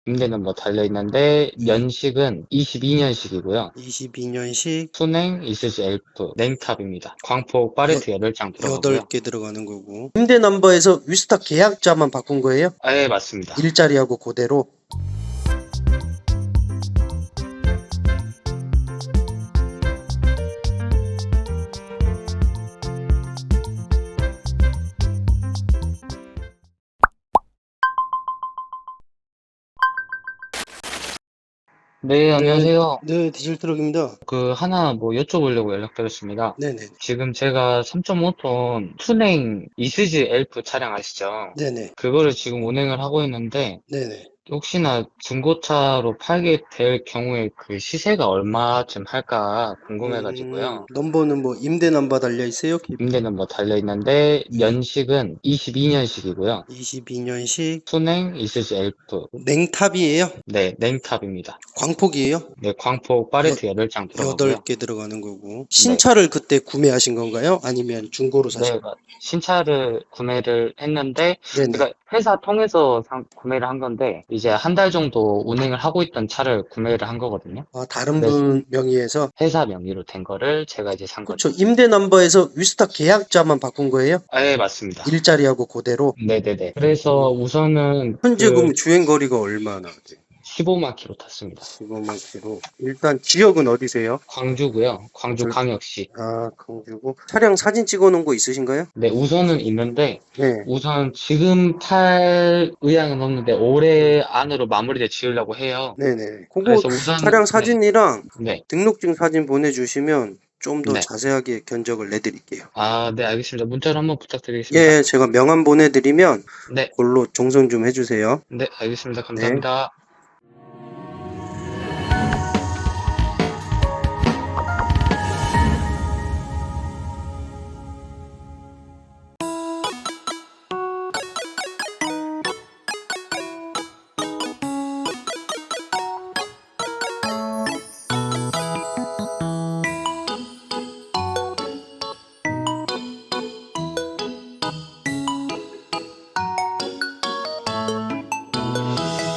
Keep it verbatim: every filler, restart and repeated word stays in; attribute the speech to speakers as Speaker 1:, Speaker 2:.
Speaker 1: 임대는 뭐 달려있는데 연식은 이십이 년식이고요.
Speaker 2: 이십이 년식
Speaker 1: 순행 이수지 엘프 냉탑입니다. 광폭 팔레트 여덟 장 들어가고요.
Speaker 2: 여덟 개 들어가는 거고. 임대 넘버에서 위스타 계약자만 바꾼 거예요?
Speaker 1: 아, 예, 맞습니다.
Speaker 2: 일자리하고 그대로.
Speaker 1: 네, 안녕하세요.
Speaker 2: 네, 디젤 트럭입니다.
Speaker 1: 그 하나 뭐 여쭤보려고 연락드렸습니다.
Speaker 2: 네네.
Speaker 1: 지금 제가 삼 점 오 톤 순행 이수지 엘프 차량 아시죠?
Speaker 2: 네네.
Speaker 1: 그거를 지금 운행을 하고 있는데
Speaker 2: 네네.
Speaker 1: 혹시나 중고차로 팔게 될 경우에 그 시세가 얼마쯤 할까 궁금해가지고요.
Speaker 2: 음, 넘버는 뭐 임대 넘버 달려 있어요?
Speaker 1: 임대는 뭐 달려있는데 연식은 이십이 년식이고요.
Speaker 2: 이십이 년식
Speaker 1: 순행 이수지 엘프
Speaker 2: 냉탑이에요?
Speaker 1: 네, 냉탑입니다.
Speaker 2: 광폭이에요?
Speaker 1: 네, 광폭 팔레트 여덟 장 들어가고요.
Speaker 2: 여덟 개 들어가는 거고. 신차를 그때 구매하신 건가요? 아니면 중고로 사신
Speaker 1: 네,
Speaker 2: 건가요?
Speaker 1: 신차를 구매를 했는데,
Speaker 2: 네네.
Speaker 1: 그러니까 회사 통해서 상- 구매를 한 건데, 이제 한 달 정도 운행을 하고 있던 차를 구매를 한 거거든요.
Speaker 2: 아, 다른
Speaker 1: 그래서
Speaker 2: 분 명의에서?
Speaker 1: 회사 명의로 된 거를 제가 이제 산 거죠.
Speaker 2: 그렇죠. 임대 넘버에서 위스타 계약자만 바꾼 거예요?
Speaker 1: 아, 예, 맞습니다.
Speaker 2: 일자리하고 그대로?
Speaker 1: 네네네. 그래서 우선은
Speaker 2: 현재
Speaker 1: 그
Speaker 2: 그럼 주행 거리가 얼마나 돼요?
Speaker 1: 십오만 킬로 탔습니다.
Speaker 2: 십오만 킬로. 일단 지역은 어디세요?
Speaker 1: 광주고요. 광주 광역시.
Speaker 2: 아, 광주고. 차량 사진 찍어 놓은 거 있으신가요?
Speaker 1: 네, 우선은 있는데,
Speaker 2: 네.
Speaker 1: 우선 지금 팔 의향은 없는데 올해 안으로 마무리를 지으려고 해요.
Speaker 2: 네네. 그거
Speaker 1: 그래서 우선
Speaker 2: 차량 사진이랑
Speaker 1: 네,
Speaker 2: 등록증 사진 보내주시면 좀 더
Speaker 1: 네.
Speaker 2: 자세하게 견적을 내드릴게요.
Speaker 1: 아, 네, 알겠습니다. 문자로 한번 부탁드리겠습니다.
Speaker 2: 예, 제가 명함 보내드리면
Speaker 1: 네,
Speaker 2: 그걸로 정성 좀 해주세요.
Speaker 1: 네, 알겠습니다.
Speaker 2: 네.
Speaker 1: 감사합니다.